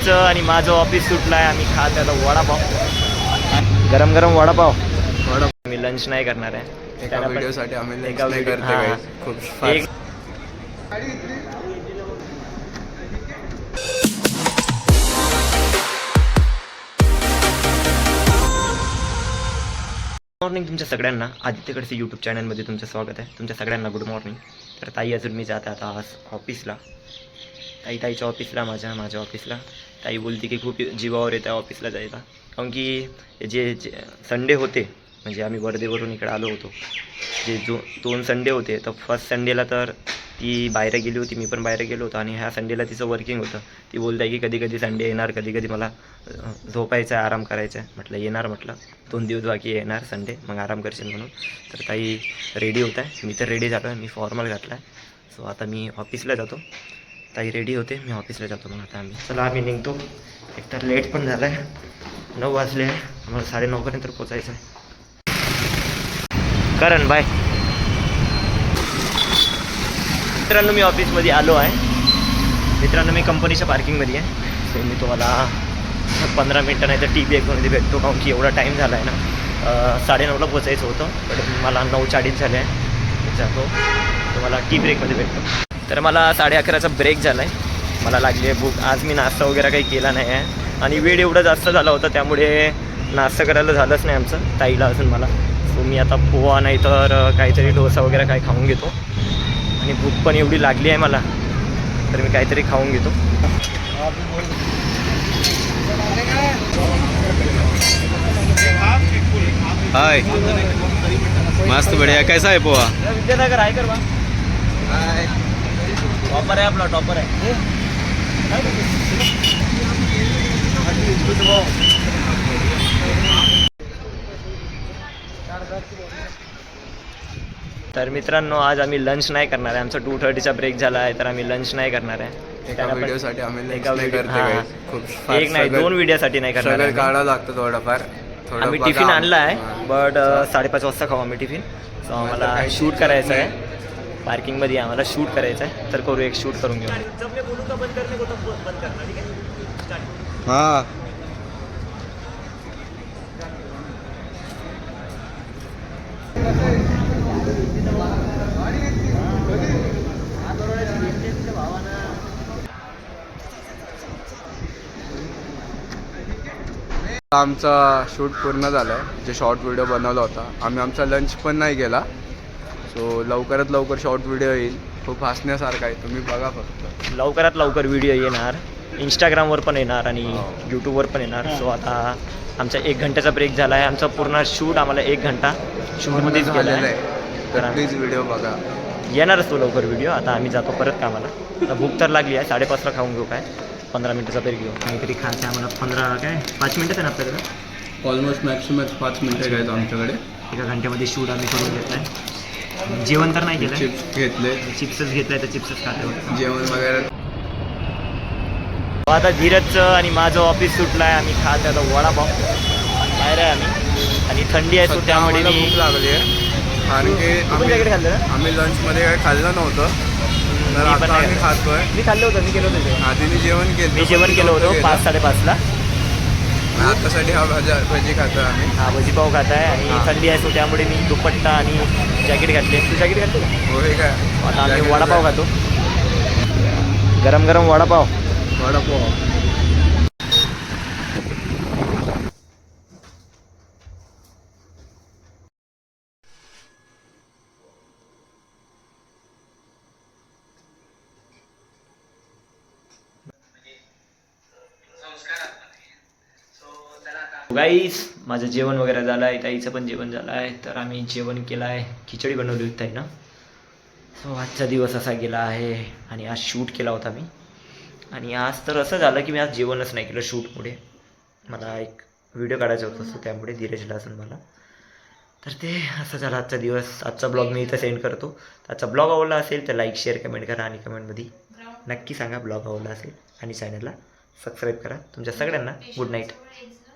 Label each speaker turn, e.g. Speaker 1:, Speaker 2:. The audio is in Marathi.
Speaker 1: धीरजचं आणि माझं ऑफिस सुटलं आहे. आम्ही खात आता वडापाव, गरम गरम वडापाव. मी लंच नाही करणार आहे
Speaker 2: एका व्हिडिओसाठी आम्ही लंच
Speaker 1: एका
Speaker 2: नाही
Speaker 1: व्हिडिओ
Speaker 2: करते
Speaker 1: हां
Speaker 2: guys. खूप
Speaker 1: एक
Speaker 2: fast.
Speaker 1: मॉर्निंग तुमच्या सगळ्यांना आदित्यकडचे यूट्यूब चॅनलमध्ये तुमचं स्वागत आहे. तुमच्या सगळ्यांना गुड मॉर्निंग. तर ताई अजून मी जात आता आज ऑफिसला, ताईच्या ऑफिसला, माझ्या ऑफिसला. ताई बोलते की खूप जीवावर येतं ऑफिसला जायला, कारण की जे संडे होते, म्हणजे आम्ही वर्धेवरून इकडे आलो होतो, जे 2 संडे होते, तर फर्स्ट संडेला तर ती बाहेर गेली होती, मी पण बाहेर गेलो होतो, आणि ह्या संडेला तिचं वर्किंग होतं. ती बोलत आहे की कधी कधी संडे येणार, कधी कधी मला झोपायचं आहे, आराम करायचं आहे. म्हटलं येणार, म्हटलं 2 दिवस बाकी येणार संडे, मग आराम करशील म्हणून. तर ताई रेडी होत आहे, मी तर रेडी झालो आहे, मी फॉर्मल घातला आहे. सो आता मी ऑफिसला जातो, ताई रेडी होते, मी ऑफिसला जातो. मग आता चला आम्ही निघतो. एकतर लेट पण झालं आहे, 9 वाजले आहे, आम्हाला 9:30पर्यंत पोचायचं आहे. करण बाय. मित्रांनो मी ऑफिसमध्ये आलो आहे. मित्रांनो मी कंपनीच्या पार्किंगमध्ये आहे. सो मी तुम्हाला 15 मिनटं नाही तर टी ब्रेकमध्ये भेटतो, कारण की एवढा टाईम झाला आहे ना. 9:30ला पोचायचं होतं, पण मला 9:40 झाले आहे. जातो, तुम्हाला टी ब्रेकमध्ये भेटतो. तर मला 11:30चा ब्रेक झाला आहे, मला लागली आहे भूक. आज मी नाश्ता वगैरे काही केला नाही आहे, आणि वेळ एवढा जास्त झाला होता, त्यामुळे नाश्ता करायला झालंच नाही आमचं, ताईला अजून मला. सो मी आता पोहा नाही तर काहीतरी डोसा वगैरे काही खाऊन घेतो, आणि भूक पण एवढी लागली आहे मला, तर मी काहीतरी खाऊन घेतो.
Speaker 2: हाय, मस्त बढ़िया. कैसा है पोहा?
Speaker 1: विद्यानगर आहे करवा, टॉपर आहे आपला, टॉपर आहे. तर मित्रांनो आज आम्ही लंच नाही करणार आहे. आमचा 2:30चा ब्रेक झाला आहे, तर आम्ही लंच नाही करणार आहे.
Speaker 2: एका व्हिडिओसाठी आम्ही लंच
Speaker 1: एका
Speaker 2: नाही
Speaker 1: व्हिडिओ
Speaker 2: करते
Speaker 1: हां,
Speaker 2: guys. खूप
Speaker 1: एक नाही 2 व्हिडिओसाठी नाही करणार आहे.
Speaker 2: काढावं लागतं थोडंफार.
Speaker 1: आम्ही टिफिन आणला आहे, बट 5:30 वाजता खाऊ आम्ही टिफिन. सो आम्हाला शूट करायचं आहे पार्किंगमध्ये, आम्हाला शूट करायचं आहे, तर करू, एक शूट करून घेऊ.
Speaker 2: हां, आमचा शूट पूर्ण झाला आहे. जे शॉर्ट व्हिडिओ बनवला होता आम्ही, आमचा लंच पण नाही गेला. सो लवकरात लवकर शॉर्ट व्हिडिओ येईल, खूप हसण्यासारखा आहे, तुम्ही बघा फक्त.
Speaker 1: लवकरात लवकर व्हिडिओ येणार, इंस्टाग्रामवर पण येणार आणि यूट्यूबवर पण येणार. सो आता आमचा 1 घंट्याचा ब्रेक झाला आहे. आमचा पूर्ण शूट, आम्हाला 1 घंटा शूटमध्येच गेला आहे.
Speaker 2: तर प्लीज व्हिडिओ बघा,
Speaker 1: येणारच तो लवकर व्हिडिओ. आता आम्ही जातो परत कामाला. आता भूक तर लागली आहे, 5:30ला खाऊन घेऊ, काय 15 मिनटाचा ब्रेक घेऊ. काहीतरी खायचं आम्हाला, 5 मिनटं आहे ना आपल्याकडे,
Speaker 2: ऑलमोस्ट मॅक्सिमम 5 मिनटं घ्यायचं आमच्याकडे.
Speaker 1: एका घंट्यामध्ये शूट आम्ही करून घेतलं आहे. जेवण तर नाही केलं,
Speaker 2: चिप्स घेतले,
Speaker 1: चिप्सच घेतलं, तर चिप्सच खातो.
Speaker 2: जेवण वगैरे.
Speaker 1: आता धीरजचं आणि माझं ऑफिस सुटलं आहे, आम्ही खात आता वडापाव. बाहेर आहे आम्ही, आणि थंडी आहे, सो त्यामुळे
Speaker 2: आम्हाला भूक लागली आहे, कारण की
Speaker 1: जॅकेट खाल्लं ना,
Speaker 2: आम्ही लंचमध्ये काही खाल्लं नव्हतं, तर
Speaker 1: मी पण
Speaker 2: आता
Speaker 1: नाही
Speaker 2: आम्ही खातोय.
Speaker 1: मी खाल्लं होतं, मी केलं होतं.
Speaker 2: आधीने जेवण केलं,
Speaker 1: मी जेवण केलं होतं 5-5:30ला.
Speaker 2: आतासाठी हा भजी खातोय आम्ही.
Speaker 1: हा भजीपाव खात आहे, आणि थंडी आहे, सो त्यामुळे मी दुपट्टा आणि जॅकेट घातले. तू जॅकेट घातले का?
Speaker 2: हो, हे काय
Speaker 1: आता आम्ही वडापाव खातो, गरम गरम वडापाव. गाईस माझं जेवण वगैरे झालं आहे, ताईचं पण जेवण झालं आहे. तर आम्ही जेवण केलं आहे, खिचडी बनवली होती ताईनं. सो आजचा दिवस असा गेला आहे, आणि आज शूट केला होता मी. आणि आज तर असं झालं की मी आज जेवणच नाही केलं शूटमुळे. मला एक व्हिडिओ काढायचा होता, सो त्यामुळे धीरजला असून मला. तर ते असं झालं आजचा दिवस. आजचा ब्लॉग मी इथं सेंड करतो. आजचा ब्लॉग आवडला असेल तर लाईक, शेअर, कमेंट करा, आणि कमेंटमध्ये नक्की सांगा ब्लॉग आवडला असेल, आणि चॅनलला सबस्क्राईब करा. तुमच्या सगळ्यांना गुड नाईट.